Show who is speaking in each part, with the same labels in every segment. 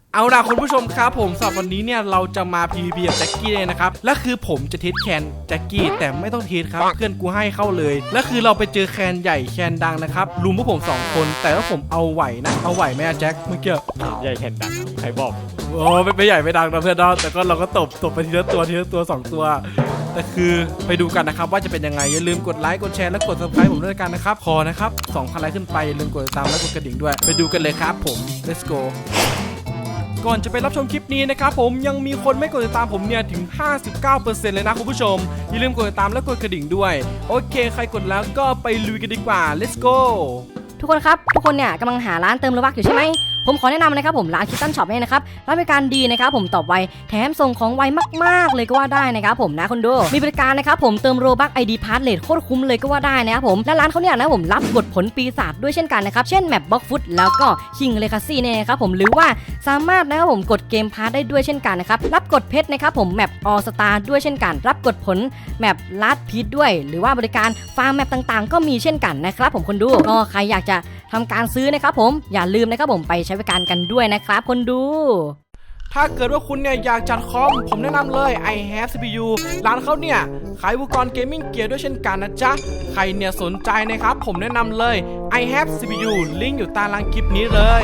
Speaker 1: เอาล่ะคุณผู้ชมครับผมสำหรับวันนี้เนี่ยเราจะมา PVP กับแจ็คกี้เลยนะครับและคือผมจะเทสแคนแจ็คกี้แต่ไม่ต้องเทสครับเพื่อนกูให้เข้าเลยและคือเราไปเจอแคนใหญ่แคนดังนะครับลุมพวกผม2คนแต่ว่าผมเอาไหวนะเอาไหวไหมอะแจ็คเมื่อกี้
Speaker 2: ใหญ่แคนดังใครบอก
Speaker 1: โอ้ไม่ใหญ่ไม่ดังนะเพื่อนแต่ก็เราก็ตบไปทีละตัว2 ตัวแต่คือไปดูกันนะครับว่าจะเป็นยังไงอย่าลืมกดไลค์กดแชร์และกด subscribe ผมด้วยกันนะครับขอนะครับ 2,000 ไลค์ขึ้นไปอย่าลืมกดติดตามและกดกระดิ่งด้วยไปดูกันเลยครับผม let's goก่อนจะไปรับชมคลิปนี้นะครับผมยังมีคนไม่กดติดตามผมเนี่ยถึง 59% เลยนะคุณผู้ชมอย่าลืมกดติดตามและกดกระดิ่งด้วยโอเคใครกดแล้วก็ไปลุยกันดีกว่า let's go
Speaker 3: ทุกคนครับทุกคนเนี่ยกำลังหาร้านเติมโลบัคอยู่ใช่ไหมผมขอแนะนำนะครับผมร้านคิตตันช็อปเนี่ยนะครับร้านบริการดีนะครับผมตอบไวแถมส่งของไวมากๆเลยก็ว่าได้นะครับผมนะคนดูมีบริการนะครับผมเติมโลบัค ID พาสเลทโคตรคุ้มเลยก็ว่าได้นะครับผมและร้านเขาเนี่ยนะผมรับบทผลปีศาจด้วยเช่นกันนะครับเช่นแมปบล็อกฟุตแล้วก็คิงเลคาซี่เนี่ยนะครับผมหรือว่าสามารถนะครับผมกดเกมพาสได้ด้วยเช่นกันนะครับรับกดเพชรนะครับผมแมปออสตาด้วยเช่นกันรับกดผลแมปลัดพีทด้วยหรือว่าบริการฟาร์มแมปต่างๆก็มีเช่นกันนะครับผมคนดูก็ใครอยากจะทำการซื้อนะครับผมอย่าลืมนะครับผมไปใช้บริการกันด้วยนะครับคนดู
Speaker 1: ถ้าเกิดว่าคุณเนี่ยอยากจัดคอมผมแนะนำเลย I have CPU ร้านเขาเนี่ยขายอุปกรณ์เกมมิ่งเกียร์ด้วยเช่นกันนะจ๊ะใครเนี่ยสนใจนะครับผมแนะนำเลย I have CPU ลิงก์อยู่ใต้ล่างคลิปนี้เลย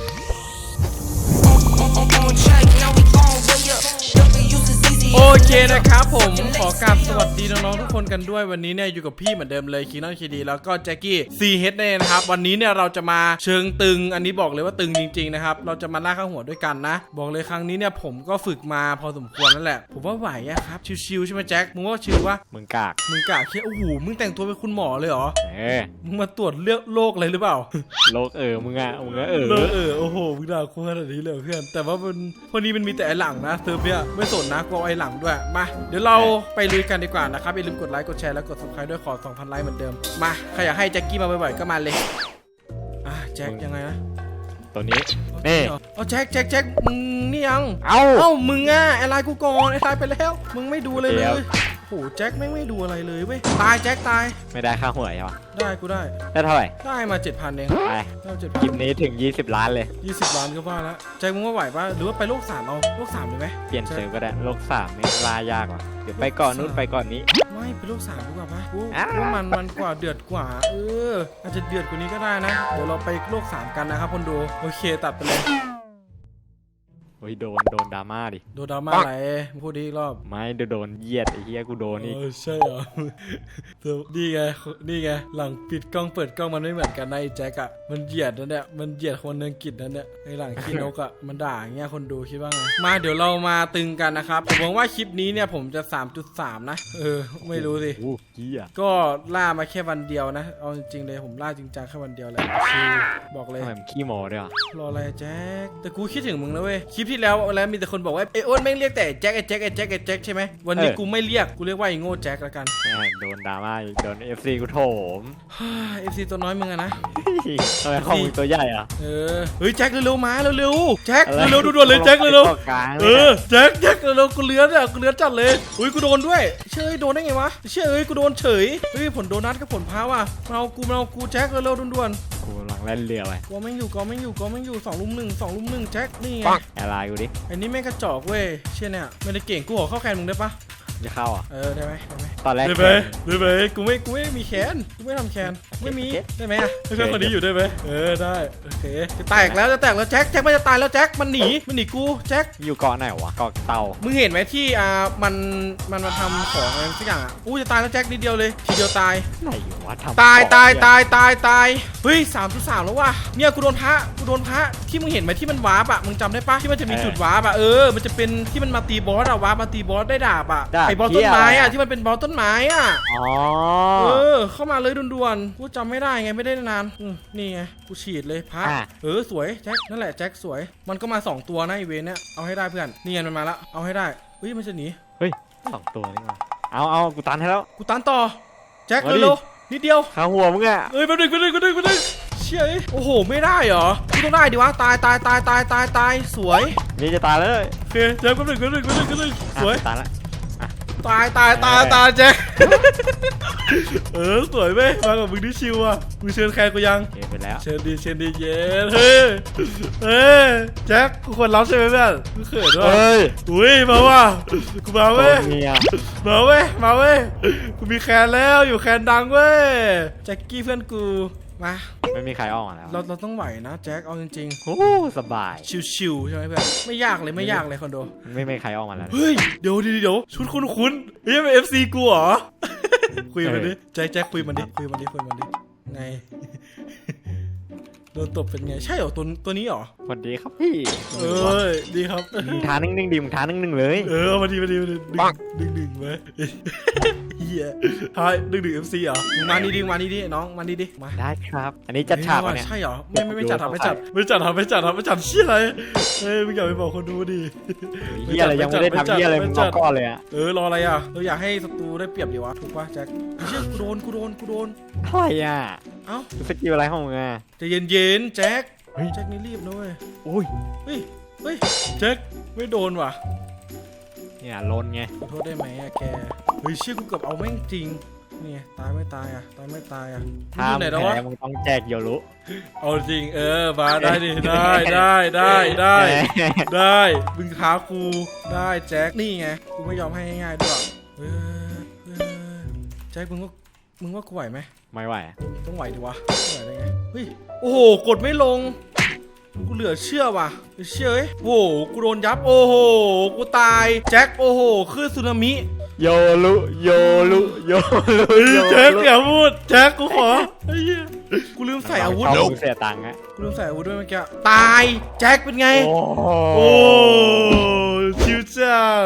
Speaker 1: โอเคนะครับผมขอกราบสวัสดีน้องๆทุกคนกันด้วยวันนี้เนี่ยอยู่กับพี่เหมือนเดิมเลยคีนอนคีดีแล้วก็แจ็คกี้ CH เนี่ยนะครับวันนี้เนี่ยเราจะมาเชิงตึงอันนี้บอกเลยว่าตึงจริงๆนะครับเราจะมาล่าข้างหัวด้วยกันนะบอกเลยครั้งนี้เนี่ยผมก็ฝึกมาพอสมควรนั่นแหละผมว่าไหวอะครับชิวๆใช่ไหมแจ็คมึงว่าชิววะ
Speaker 2: มึงกาก
Speaker 1: เคียโอ้โหมึงแต่งตัวเป็นคุณหมอเลยเหรอมึงมาตรวจเลือดโรคอะไรหรือเปล่า
Speaker 2: โรคมึงอะ
Speaker 1: โอ้โหมึงด่ากูขนาดนี้เลยเพื่อนแต่ว่าวันนี้มันมีแต่ไอหลังนะเซิร์ฟเนี่ยไม่สนนะกูเอาไอหลังด้วยมาเดี๋ยวเราไปลุยกันดีกว่านะครับอย่าลืมกดไลค์กดแชร์และกด subscribe ด้วยขอ 2,000 ไลค์เหมือนเดิมมาใครอยากให้แจ็คกี้มาบ่อยๆก็มาเลยแจ็คยังไงนะ
Speaker 2: ตัวนี้นี่
Speaker 1: เอาแจ็คมึงนี่ยังเอ้ามึงอะไอไลน์กูก่อนไอไลน์ไปแล้วมึงไม่ดูเลยโอ้โหแจ็คไม่ดูอะไรเลยเว้ยตายแจ็คตาย
Speaker 2: ไม่ได้ค่าหวยใช่ปะ
Speaker 1: ได้กูได้
Speaker 2: เท่าไหร่
Speaker 1: ได้มา 7,000 เอง
Speaker 2: ไปคลิปนี้ถึง20 ล้านเลย
Speaker 1: 20 ล้านก็ว่าแล้วแจ็คมึงว่าไหวปะหรือว่าไปโลก3เอาโลก3เลยไหม
Speaker 2: เปลี่ยนเซิร์ฟก็ได้โลก3ไม่ล่ายากหรอกเดี๋ยวไปก่อนนู้นไปก่อนนี้
Speaker 1: ไม่ไปโลก3ดีกว่าปะว่ามันกว่าเดือดกว่าอาจจะเดือดกว่านี้ก็ได้นะเดี๋ยวเราไปโลก3กันนะครับคนดูโอเคตัดไปเลย
Speaker 2: โอ้ยโดนดราม่าดิ
Speaker 1: โดนดราม่าอะไรพูดดีอีกรอบ
Speaker 2: ไม่โดนเหยียดไอ้เหี้ยกูโดนนี่
Speaker 1: ใช่เหรอนี่ไงหลังปิดกล้องเปิดกล้องมันไม่เหมือนกันนะไอ้แจ็คอะมันเหยียดนั่นเนี่ยมันเหยียดคนอังกฤษนั่นเนี่ยไอ้หลังขี้นกอะมันด่าอย่างเงี้ยคนดูคิดว่าไงมาเดี๋ยวเรามาตึงกันนะครับผมหวังว่าคลิปนี้เนี่ยผมจะ 3.3 นะไม่รู้สิก็ล่ามาแค่วันเดียวนะเอาจริงๆเลยผมล่าจริงจังแค่วันเดียวแหละบอกเลย
Speaker 2: ทำไมขี้โม้ด้วย
Speaker 1: รออะไรแจ็คแต่กูคิดถึงมึงนะเว้ยคลิปที่แล้วมีแต่คนบอกว่าไอ้อ้นแม่งเรียกแต่แจ็คใช่ไหมวันนี้กูไม่เรียกกูเรียกว่าไอ้โง่แจ็คละกัน
Speaker 2: โดนดราม่าโดน FC กูโถม
Speaker 1: FC ตัวน้อยมึงอะนะ
Speaker 2: ทำไมของมึงตัวใหญ่อะ
Speaker 1: เฮ้ยแจ็คเร็วๆมาเร็วๆแจ็คเร็วๆด่วนๆเลยแจ็คเร็วๆแจ็คเร็วๆกูเลื้อนจัดเลยอุ้ยกูโดนด้วยเชื่อโดนได้ไงวะเชื่อกูโดนเฉยเฮ้ยผลโดนัทกับผลพาว่ะมาเอากูแจ็คเร็วๆด่วน
Speaker 2: ๆกูกำลังเล่นเรือไป
Speaker 1: ก็ไม่อยู่2 ลุม 1แจ็คนี่ไง
Speaker 2: อะไรกูดิ
Speaker 1: อันนี้แม่งกระจอกเว้ยเชี่ยเนี่ยไม่ได้เก่งกูขอเข้าแคนมึงได้ปะ
Speaker 2: จะเข้าอ่ะ
Speaker 1: ได้ไหม
Speaker 2: ตอนแรก
Speaker 1: ได้ไหมกูไม่มีแคนกูไม่ทำแคนไม่มีได้ไหมเพื่อนคนนี้อยู่ได้ไหมได้โอเคจะแตกแล้วแจ็คมันจะตายแล้วแจ็คมันหนีกูแจ็ค
Speaker 2: อยู่เกาะไหนวะเกาะเต่า
Speaker 1: มึงเห็นไหมที่มันมาทำของอะไรสักอย่างจะตายแล้วแจ็คนิดเดียวเลยทีเดียวตาย
Speaker 2: ไหนวะต
Speaker 1: ายเฮ้ย3.3แล้วว่ะเนี่ยกูโดนพระที่มึงเห็นไหมที่มันวาร์ปมึงจำได้ปะที่มันจะมีจุดวาร์ปมันจะเป็นที่มันมาตีบอสวาร์ปมาตีบอสได้ดาบไอ้บอสต้นไม้ที่มันเป็นบอสต้นไม้เข้ามาเลยด่วนๆกูจำไม่ได้ไงไม่ได้นานนี่ไงกูฉีดเลยพระสวยแจ็คนั่นแหละแจ็คสวยมันก็มา2ตัวนะอีเวนเนี่ยเอาให้ได้เพื่อนนี่ไงมันมาแล้วเอาให้ได้เฮ้ยมันจะหนี
Speaker 2: เฮ้ย2ตัวนี่มาเอากูตันให้แล้ว
Speaker 1: กูตันต่อแจ็คเร็วนิดเดียว
Speaker 2: ขาหัวมึงอะ
Speaker 1: แป๊บนึงเชี่ยโอ้โหไม่ได้เหรอกูต้องได้ดิวะตายสวย
Speaker 2: นี่จะตายเลย
Speaker 1: โอเคแจ็คแป๊บนึงสวย
Speaker 2: ตายละ
Speaker 1: ตายแจ็คสวยไหมมากับมึงที่ชิวอ่ะมึงเชิญแคนกูยัง
Speaker 2: เกมไปแล้ว
Speaker 1: เชิญดีเย้เฮ้ยแจ็คกูควรรับใช่ไหมเพื่อนกูเขินด้วยอุ้ยมาว่ะกูมาเว้ย
Speaker 2: เมีย
Speaker 1: มาเว้ยกูมีแคนแล้วอยู่แคนดังเว้ยแจ็คกี้เพื่อนกูมา
Speaker 2: ไม่มีใครออกมาแล้ว
Speaker 1: เราต้องไหวนะแจ็คเอาจริง
Speaker 2: โอ้สบาย
Speaker 1: ๆชิวๆใช่ไหมเพื่อนไม่ยากเลยคอนโด
Speaker 2: ไม่มีใครออกมาแล้ว
Speaker 1: เฮ้ยเดี๋ยวชุดคุ้นเฮ้ยเป็น FC กูเหรอ คุยมันดิแจ็คคุยมันดิไง โดนตบเป็นไงใช่เหรอตัวนี้เหรอ
Speaker 2: สวัสดีครับพี่
Speaker 1: ดีครับ
Speaker 2: มึงท้านิ่งๆดิมึงท้านิ่งๆเลย
Speaker 1: มาดีดึงไว้เฮียทายดึง FC เหรอมึงมานี่ดิน้องมานี่ดิมา
Speaker 2: ได้ครับ อันนี้จัดฉากวะเนี่ย
Speaker 1: ใช่เหรอไม่จัดไม่จัดเชี่ยอะไรมึงอย่าไปบอกคนดูดิ
Speaker 2: เฮียอะไรยังไม่ได้ทำเฮียอะไรมึงบอกก่อนเลยอะ
Speaker 1: รออะไรอ่ะเราอยากให้ศัตรูได้เปรียบดีวะถูกป่ะแจ็คเชี่ยกูโดน
Speaker 2: อะไรอ่ะ
Speaker 1: เอ้า
Speaker 2: สกิลอะไรของมึงอ่ะ
Speaker 1: ใจเย็นแจ็คแจ็คนี่รีบนะเว้ย
Speaker 2: อุ้ย
Speaker 1: เฮ้ยแจ็คไม่โดนว่ะ
Speaker 2: เนี่ยลนไง
Speaker 1: ขอโทษได้ไหมอะแกเฮ้ยเชี่ยกูเกือบเอาแม่งจริงนี่ตายไม่ตายอ่ะ
Speaker 2: ถ้ามึงแพ้มึงต้องแจกโยรุ
Speaker 1: เอาจริงมาได้ดิได้มึงท้ากูได้แจ็คนี่ไงกูไม่ยอมให้ง่ายๆด้วยแจ็คมึงว่ากูไหวไหม
Speaker 2: ไม่ไหว
Speaker 1: ต้องไหวดิวะไหวได้ไงเฮ้ยโอ้โหกดไม่ลงกูเหลือเชื่อว่ะเชื่อโอ้โหกูโดนยับโอ้โหกูตายแจ็คโอ้โหคลื่นสึนามิ
Speaker 2: โยรุ
Speaker 1: แจ็คอย่าพูดแจ็คกูขอไอ้เหี้ยกูลืมใส่อาวุธ
Speaker 2: มึงเสียตังค์อะ
Speaker 1: กูลืมใส่อาวุธด้วยเมื่อกี้ตายแจ็คเป็นไง
Speaker 2: โอ้
Speaker 1: ชิวจัด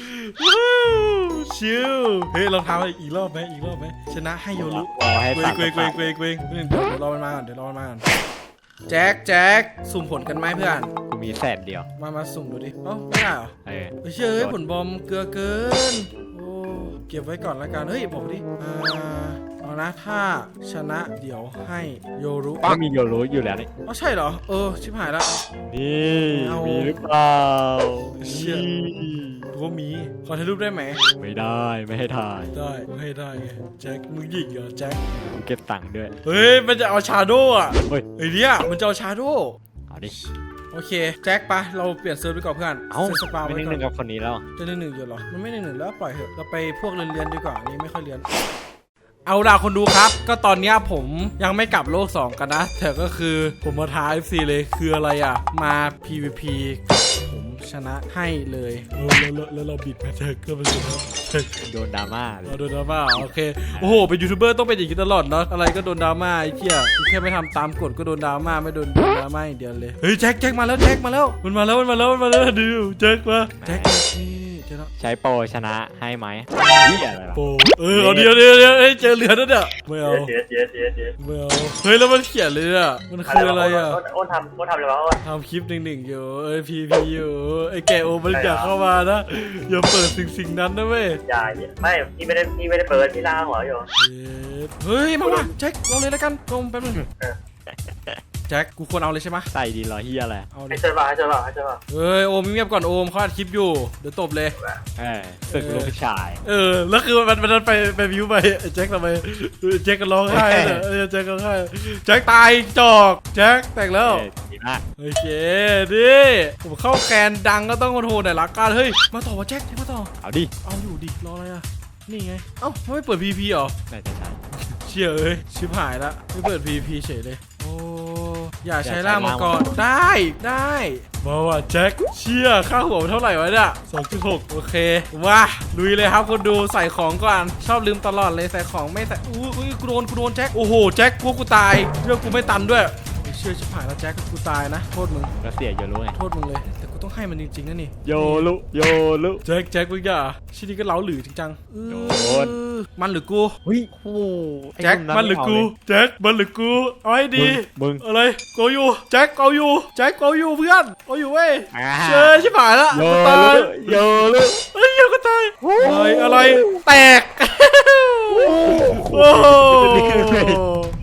Speaker 1: ชิวเฮ้ยเราทำอีกรอบไหมชนะให้โยรุ
Speaker 2: ให้
Speaker 1: เก
Speaker 2: ตัง
Speaker 1: วงเดี๋ยวรอมันมาก่อนแจ็คสุ่มผลกันไหมเพื่อน
Speaker 2: กูมีแสนเดียว
Speaker 1: มาสุ่มดูดิเอ้าไม่ได้เหรอเชื่อผลบอมเกลือเกินโอ้เก็บไว้ก่อนละกันเฮ้ยบอกดิเอานะถ้าชนะเดี๋ยวให้โยรุ
Speaker 2: ก็มีโยรุอยู่แล้วนี่
Speaker 1: อ๋อใช่เหรอชิบหายละ
Speaker 2: นี่มีหรือเปล่า
Speaker 1: เชื่อว่ามีขอถ่ายรูปได้ไหม
Speaker 2: ไม่ได้ไม่ให้ถ่าย
Speaker 1: ได้ให้ได้ไงแจ็คมึงหยิงเหรอแจ็ค
Speaker 2: กูเก็บตังค์ด้วย
Speaker 1: เฮ้ยมันจะเอาชาโดว์อ่ะ
Speaker 2: เฮ้ย
Speaker 1: ไอ้เนี่ยมันจะเอาชาโดว์
Speaker 2: เอาดิ
Speaker 1: โอเคแจ็คปะเราเปลี่ยนเซิร์ฟไปก่อนเพื่อน
Speaker 2: เอ้า
Speaker 1: เซิร์ฟสปา
Speaker 2: ไม่
Speaker 1: ไว้
Speaker 2: นิ่ง
Speaker 1: ก่อน
Speaker 2: ๆกับคนนี้แล้ว
Speaker 1: จะ1-1อยู่เหรอมันไม่1-1แล้วปล่อยเถอะเราไปพวกเรียนดีกว่านี่ไม่ค่อยเรียนเอาล่ะคนดูครับก็ตอนเนี้ยผมยังไม่กลับโลก2กันนะแต่ก็คือผมมาท้า FC เลยคืออะไรอ่ะมา PVP ผมชนะให้เลยแล้วเราบิดแพทเทิร์นก็เป็นชนะ
Speaker 2: โดนดราม่าเลย
Speaker 1: โดนดราม่าโอเคโอ้โหเป็นยูทูบเบอร์ต้องเป็นอย่างนี้ตลอดเนาะอะไรก็โดนดราม่าไอ้เหี้ยแค่ไม่ทำตามกฎก็โดนดราม่าไม่โดนดราม่าอย่างเดียวเลยเฮ้ยแจ็คมาแล้วมันมาแล้วดูแจ็คมาแจ็คนี่เจอแล้ว
Speaker 2: ใช้โปรชนะให้ไหมนี่อะไรล่ะ
Speaker 1: โอ้เอาเดี๋ยวเจอเหลือนั่นเนี่ยไม่เอาไม่เอาเฮ้ยแล้วมันเขียนเลยอ่ะมันคืออะไรอ่ะ
Speaker 4: อ้นทำอะไรวะอ้น
Speaker 1: ทำคลิป1-1อยู่พีอยู่ไอ้แกโอมันอยากเข้ามานะอย่าเปิดสิ่งนั้นนะเว้ย
Speaker 4: อย่าไม่พี่ไม่ได้เปิดพี่ล่างหัวอยู่
Speaker 1: เฮ้ยมาแจ็คลงเลยแล้วกันลงแป๊บนึงแจ็คกูควรเอาเลยใช่ไหม
Speaker 2: ใส่ดีเหรอเฮียอะไร
Speaker 1: เอาเล
Speaker 4: ให้
Speaker 1: ย
Speaker 4: เชิญมา
Speaker 1: เฮ้ยโอมเงียบก่อนโอมเขาอัดคลิปอยู่เดี๋ยวตบเลย
Speaker 2: ศึกลูกชาย
Speaker 1: แล้วคือมันไปวิวไปแจ็คทำไมแจ็คก็ร้องไห้เลยแจ็คร้องไห้แจ็คตายจอกแจ็คแตกแล้ว
Speaker 2: ดีมาก
Speaker 1: โอเคดิผมเข้าแคนดังก็ต้องโทรหน่อยละกันเฮ้ยมาต่อวะแจ็คมาต่อ
Speaker 2: เอาดิ
Speaker 1: เอาอยู่ดิรออะไรอ่ะนี่ไงเอ้าไม่เปิด PVP เหรอ
Speaker 2: น่าจะใช่
Speaker 1: เชี่ยชิบหายละไม่เปิด PVP เฉยเลยโอ้อย่าใช้ล่างมังกรได้มาว่ะแจ็คเชี่ยค่าหัวมันเท่าไหร่วะเนี่ย 2.6 โอเคว้าลุยเลยครับคนดูใส่ของก่อนชอบลืมตลอดเลยใส่ของไม่ใส่อุ้ยกูโดนแจ็คโอ้โหแจ็คกูตายเรื่องกูไม่ตันด้วยเชื่อชิบหายแล้วแจ็คกูตายนะโทษมึง
Speaker 2: ก็เสียโยรุไง
Speaker 1: โทษมึงเลยแต่กูต้องให้มันจริงๆนะนี่
Speaker 2: โยรุ
Speaker 1: แจ็คมึงอย่าชิ้นนี้ก็เล้าหรือจริงจัง
Speaker 2: โดน
Speaker 1: มันหรือกู
Speaker 2: เฮ้ยโอ้
Speaker 1: แจ็คมันหรือกูแจ็คมันหรือกูเอาให้ดี
Speaker 2: มึง
Speaker 1: อะไรกูอยู่แจ็คกูอยู่เพื่อนกูอยู่เว้ยเชยชิบหายละ
Speaker 2: โย
Speaker 1: กูตาย
Speaker 2: รุ
Speaker 1: เฮ้ยกูตายอะไรแตกโอ้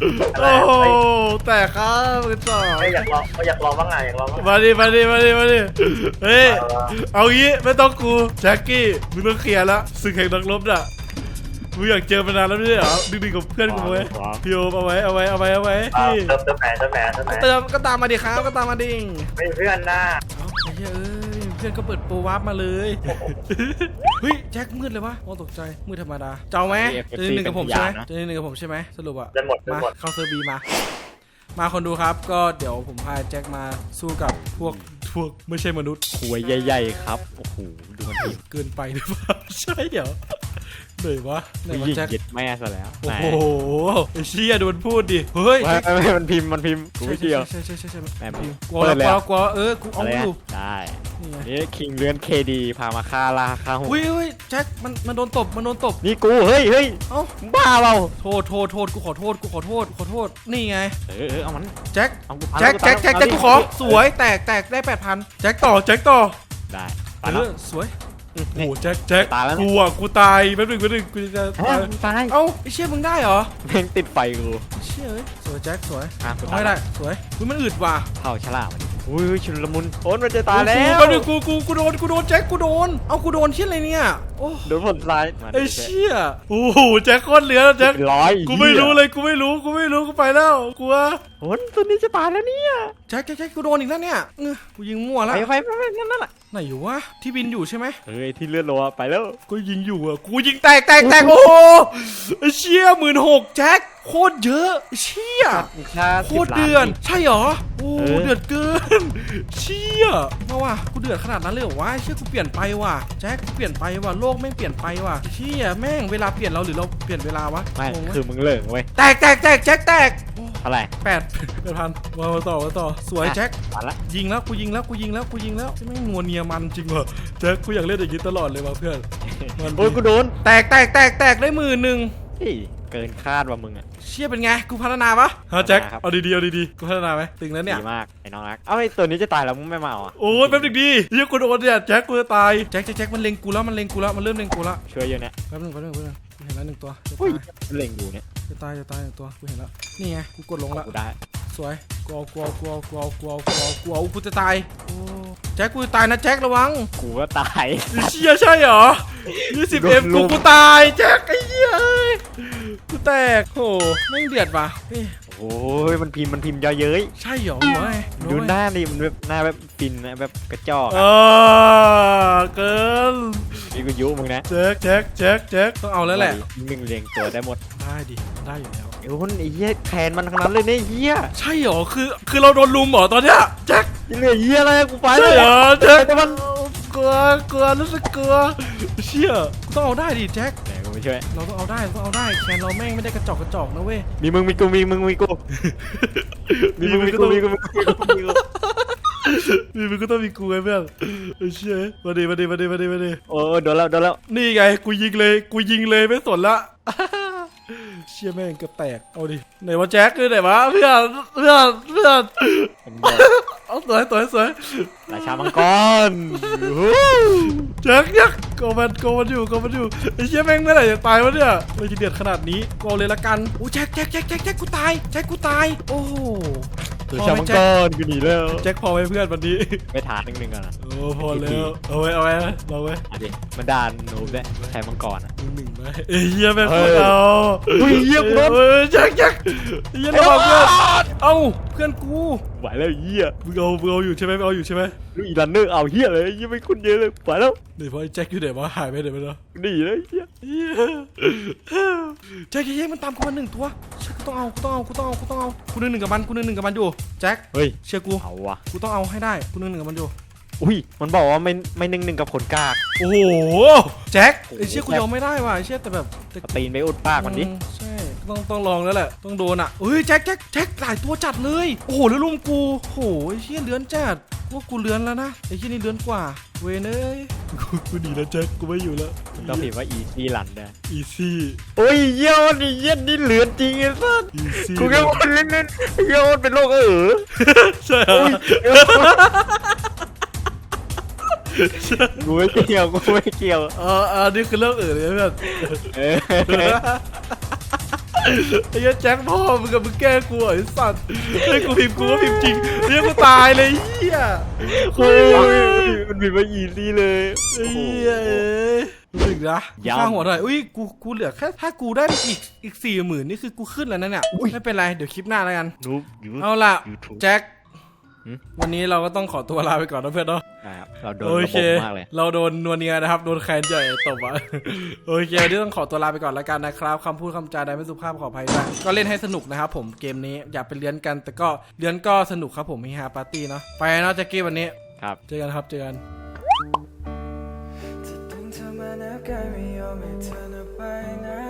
Speaker 4: อะไร
Speaker 1: โอ้โห
Speaker 4: เฮ้ย
Speaker 1: แต่ครับกันต่อ
Speaker 4: อยากลองอยากลองบ้างไงอยากลองบ้าง
Speaker 1: มาดิเฮ้ยเอางี้ไม่ต้องกูแจ็คกี้มึงต้องเคลียร์ละศึกแห่งนักรบน่ะมึงอยากเจอมานานแล้วไม่ใช่เหรอดึงกับเพื่อนกูไว้พี่โอมเอาไว้พี่
Speaker 4: เติมแหน
Speaker 1: เติมก็ตามมาดิครับก็ตามมาดิ
Speaker 4: ไม่เพื่อนหน้า
Speaker 1: เอาไอ้เหี้ยเพื่อนก็เปิดโปรวาร์ปมาเลยเฮ้ยแจ็คมืดเลยวะโอ้ตกใจมืดธรรมดาเจ้าไหมจะหนึ่งกับผมใช่ไหมจะหนึ่งกับผมใช่ไหมสรุปอะ
Speaker 4: จะหมด
Speaker 1: มาเข้าเซอร์บีมาคนดูครับก็เดี๋ยวผมพาแจ็คมาสู้กับพวกไม่ใช่มนุษย์
Speaker 2: ขวยใหญ่ๆครับโอ้โหดูมันทีม
Speaker 1: เกินไปหรือเปล่าใช่เหรอไหนวะ
Speaker 2: ยิง
Speaker 1: แจ็ค
Speaker 2: เย็ดแม่ซะแล้ว
Speaker 1: โอ้โหไอ้เชี่ยโดนพูดดิเฮ้ย
Speaker 2: ไม่มันพิมพ์กูไม่เกี่ยว
Speaker 1: ใช่
Speaker 2: แม่
Speaker 1: กลัวแล้วกลัวกูเอา
Speaker 2: อะไร
Speaker 1: อยู่
Speaker 2: ได้
Speaker 1: นี่ไง
Speaker 2: นี่คิงเลื่อนเคดีพามาฆ่าล่าฆ่าหุ่น
Speaker 1: อุ้ยแจ็คมันโดนตบ
Speaker 2: นี่กูเฮ้ย
Speaker 1: เอ้า
Speaker 2: บ้าเปล่า
Speaker 1: โทษกูขอโทษนี่ไง
Speaker 2: เอามัน
Speaker 1: แจ็ค
Speaker 2: เอากู
Speaker 1: แจ็คกูขอสวยแตกได้ 8,000แจ็คต่อ
Speaker 2: ได้ไปแล้ว
Speaker 1: สวยโอ้โหแจ็ค
Speaker 2: ตายแล้ว
Speaker 1: กูตายแป๊บนึงกูจะ
Speaker 2: ตาย
Speaker 1: เอ้าไอ้เชี่ยมึงได้เหรอ
Speaker 2: แม่งติดไฟกู
Speaker 1: เชี่ยเอ้ยสวยแจ็คสวย
Speaker 2: กู
Speaker 1: เอาให้ได้สวยอุ้ยมันอึดว่ะ
Speaker 2: เผาฉลามอุ้ยชุนละมุนโอนมันจะตายแล้ว
Speaker 1: แป๊บนึงกูโดนแจ็คกูโดนเอ้ากูโดนเชี่ยอะไรเนี่ยโอ้
Speaker 2: โดนผลร้าย
Speaker 1: ไอ้เชี่ยโอ้โหแจ็คโคตรเหลือแล้วแจ็ค
Speaker 2: ร้อย
Speaker 1: กูไม่รู้เลยกูไม่รู้กูไปแล้วกลัว
Speaker 2: โอนตัวนี้จะตายแล้วเนี่ย
Speaker 1: แจ็คกูโดนอีกแล้วเนี่ยกูยิงมั่วแล้ว
Speaker 2: ไปนั่นแหละ
Speaker 1: ไหนอยู่วะที่บินอยู่ใช่ไหม
Speaker 2: เฮ้ยที่เลือดโลไปแล้ว
Speaker 1: ก็ยิงอยู่อ่ะกูยิงแตกโอ้โหไอ้เชี่ย16,000แจ็คโคตรเยอะเชี่ยโคตรเดือดใช่เหรอโอ้เดือดเกินเชี่ยมาว่ะกูเดือดขนาดนั้นเลยเหรอวะเชี่ยกูเปลี่ยนไปว่ะแจ็คกูเปลี่ยนไปว่ะโลกแม่งเปลี่ยนไปว่ะเชี่ยแม่งเวลาเปลี่ยนเราหรือเราเปลี่ยนเวลาวะ
Speaker 2: ไม่
Speaker 1: งงวะ
Speaker 2: คือมึงเลิกเว้ย
Speaker 1: แตกแจ็คแตก
Speaker 2: เท่าไหร่
Speaker 1: 8,000มาต่อสวยแจ็ค
Speaker 2: มาละ
Speaker 1: ยิงแล้วกูยิงแล้วจะไม่งนัวเนียมันจริงว่ะแจ็คกูอยากเล่นอย่างนี้ตลอดเลยว่ะเพื่อน
Speaker 2: โอ้ยกูโดน
Speaker 1: แตกได้10,000
Speaker 2: เกินคาดว่ามึงอ่ะ
Speaker 1: เชี่ยเป็นไงกูพัฒนาปะฮะแจ็ค
Speaker 2: ครับ
Speaker 1: เอาดีกูพัฒนาไหมตึงแล้วเนี่ย
Speaker 2: ดีมากไอ้น้องรักเอาไอ้ตัวนี้จะตายแล้วมึงไม่มาเอาอ่ะ
Speaker 1: โอ้ยแป๊บนึงดิเฮียกูโดนเนี่ยแจ็คกูจะตายแจ็คมันเล็งกูแล้วมันเริ่มเล็งกูแล้ว
Speaker 2: ช่วยเยอะเนี่ย
Speaker 1: แป๊บนึงกูเห็นแล้ว1 ตัว
Speaker 2: อุ้ยเล็งอยู่เนี่ย
Speaker 1: จะตาย1 ตัวกูเห็นแล้วนี่ไงกูกดลงละ
Speaker 2: กูได้
Speaker 1: สวยกูเอากูจะตายโอ้แจ็คกูจะตายนะแจ็คระวัง
Speaker 2: กูก็ตาย
Speaker 1: เชี่ยใช่เหรอ20M กูตายแจ็คไอ้เหี้ยเอ้ยกูแตกโหไม่งเดือดว่ะเฮ้ย
Speaker 2: โอ้ยมันพิมพ์เยอะเย้ย
Speaker 1: ใช่เหรอวะ
Speaker 2: ดูหน้าดิมันแบบหน้าแบบฟินนะแบบกระจอก
Speaker 1: เกิน
Speaker 2: นี่กูยุมึงนะ
Speaker 1: แจ็คต้องเอาแล้วแหละ
Speaker 2: มึงเรียงตัวได้หมด
Speaker 1: ได้ดิได้อยู่แล้ว
Speaker 2: ไอ้คนไอ้เหี้ยแทนมันทั้งนั้นเลยเนี่ยเหี้ย
Speaker 1: ใช่เหรอคือเราโดนลุมเหรอตอนเนี้ยแจ็ค
Speaker 2: ยังเหลือเหี้ยอะไรกูไป
Speaker 1: ใช่
Speaker 2: เลย
Speaker 1: เหรอแจ็ค
Speaker 2: แต่มัน
Speaker 1: กลัวรู้สึกกลัวเชี่ยกูต้องเอาได้ดิแจ็ค
Speaker 2: ไหนกูไม่ช่วย
Speaker 1: เราต้องเอาได้แคนเราแม่งไม่ได้กระจอกนะเว้ย
Speaker 2: มีมึงมีกูมีมึงมีกูมีมึงมีกูมีกูมีกู
Speaker 1: นี่มันก็ต้องมีกูไงเพื่อนเชี่ยมาดิ
Speaker 2: โอ้โดนแล้ว
Speaker 1: นี่ไงกูยิงเลยไม่สนละเชี่ยแม่งเกือบแตกเอาดิไหนวะแจ็คคือไหนวะเพื่อนเอาสวย
Speaker 2: ราชามังกร
Speaker 1: แจ็คโกมันอยู่ไอ้เชี่ยแม่งเมื่อไหร่จะตายวะเนี่ยเลยจะเดือดขนาดนี้กูเอาเลยละกันโอ้แจ็คกูตายโอ้โห
Speaker 2: ราชามังกรกูหนีแล้ว
Speaker 1: แจ็คพอไหมเพื่อนวันนี้
Speaker 2: ไปฐานหนึ่งก่อนนะ
Speaker 1: โอ้พอแล้วเอาไว้เราไว้
Speaker 2: เอาดิมันด่านหนูด้วยใช้มังกรอ่ะ
Speaker 1: 1ไหมเอ้ยเหี้ยแม่งโคตรเอา
Speaker 2: อุ้ยเหี้ยกูโดน
Speaker 1: แจ็คเหี้ยระวังเพื่อนเอ้าเพื่อนกู
Speaker 2: ไหวแล้วเหี้ย
Speaker 1: มึงเอาอยู่ใช่ไหม
Speaker 2: ลูกอีรันเนอร์เอาเหี้ยเลยยังไม่คุ้นเยอะเลยไหวแล้ว
Speaker 1: เดี๋ยวพอไอ้แจ็คอยู่ไหนวะหายไปไหนไปแล้ว
Speaker 2: หนีเลยเหี้ย
Speaker 1: แจ็คมันตามกูมา1 ตัวเชื่อกูต้องเอากู1 กับมันอยู่แจ็ค
Speaker 2: เฮ้ย
Speaker 1: เชื่อกู
Speaker 2: เอาวะ
Speaker 1: กูต้องเอาให้ได้กู1 กับมันอยู่
Speaker 2: อุ้ยมันบอกว่าไม่หนึ่งกับผลกาก
Speaker 1: โอ้โหแจ็คไอ้เชี่ยกูยอมไม่ได้ว่ะไอ้เชี่ยแต่แบบ
Speaker 2: เอาตีนไปอุดปากมันดิ
Speaker 1: ใช่ต้องลองแล้วแหละต้องโดนอ่ะเฮ้ยแจ็คหลายตัวจัดเลยโอ้โหแล้วลุมกูโอ้โหไอ้เชี่ยเลื้อนจัดว่ากูเลื้อนแล้วนะไอ้เชี่ยนี่เลื้อนกว่าเวนเอ้ยกูหนีแล้วแจ็คกูไม่อยู่แล้ว
Speaker 2: ต้องพิมพ์ว่าอีซี่รันได้
Speaker 1: อีซี่
Speaker 2: โอ้ยเหี้ยนี่เหี้ยนี่เหลือจริงไอ้สัส
Speaker 1: อีซี่
Speaker 2: กูแค่คนเล่นเหี้ยเป็นโรค
Speaker 1: ใช่เหรอ
Speaker 2: กูไม่เกี่ยว
Speaker 1: นี่คือเรื่องอื่นเลยเพื่อน
Speaker 2: เออ
Speaker 1: ไอ้เหี้ยแจ็คพ่อมึงกับมึงแกล้งกูไอ้สัตว์เฮ้ยกูพิมพ์กูก็พิมพ์จริงเรียกกูตายเลยเหี้ย
Speaker 2: โอ้ยมันมีมาอีซี่เลย
Speaker 1: ไอ้เหี้ยรู้สึกนะข้างหัวหน่อยอุ้ยกูเหลือแค่ถ้ากูได้อีก40,000นี่คือกูขึ้นแล้วนะเนี่ยไม่เป็นไรเดี๋ยวคลิปหน้าแล้วกัน
Speaker 2: นูบยู
Speaker 1: เอาล่ะ
Speaker 2: ทูบ
Speaker 1: แจ็ควันนี้เราก็ต้องขอตัวลาไปก่อนนะเพื่อนเนาะ
Speaker 2: ครับเราโดน
Speaker 1: โอ
Speaker 2: ระ
Speaker 1: เค
Speaker 2: บบมากเลย
Speaker 1: เราโดนนวเนียนะครับโดนแคนใหญ่ตบอ่ะ โอเควันนี้ต้องขอตัวลาไปก่อนแล้วกันนะครับคำพูดคำจาใดไม่สุภาพขออภัยด้วยก็เล่นให้สนุกนะครับผมเกมนี้อย่าไปเลี้ยนกันแต่ก็เลี้ยนก็สนุกครับผมมีฮาปาร์ตี้เนาะไปเนาะแจ็คกี้วันนี้
Speaker 2: ครับ
Speaker 1: เจอกันครับเจอกัน
Speaker 5: จะดึงเธอมาแนบกายไม่ยอมให้เธอไปไหน